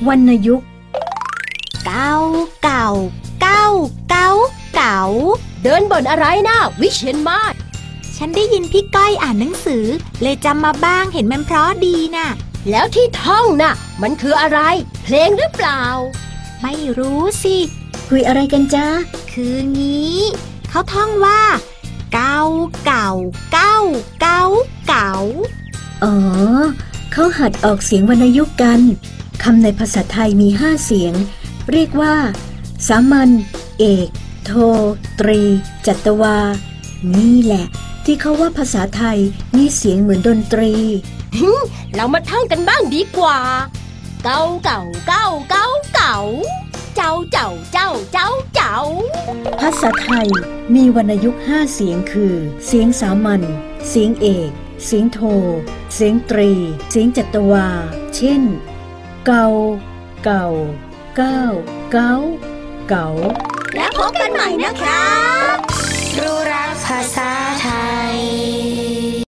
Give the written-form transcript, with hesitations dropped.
วรรณยุกต์เก่าเก่าเก่าเก่าเก่าเดินบ่นอะไรนะวิเชียรมาศฉันได้ยินพี่ก้อยอ่านหนังสือเลยจำมาบ้างเห็นมันเพราะดีน่ะแล้วที่ท่องน่ะมันคืออะไรเพลงหรือเปล่าไม่รู้สิคุยอะไรกันจ๊ะคืองี้เขาท่องว่าเก่าเก่าเก่าเก่าเก่าอ๋อเขาหัดออกเสียงวรรณยุกต์กันคำในภาษาไทยมี5เสียงเรียกว่าสามัญเอกโทตรีจัตวานี่แหละที่เขาว่าภาษาไทยมีเสียงเหมือนดนตรีเรามาท่องกันบ้างดีกว่าเก่าเก่าเก่าเก่าเก่าเจ้าเจ้าเจ้าเจ้าเจ้าภาษาไทยมีวรรณยุกต์5เสียงคือเสียงสามัญเสียงเอกเสียงโทเสียงตรีเสียงจัตวาเช่นเก่าเก่าเก้าเก้าเก๋าแล้วพบกันใหม่นะครับ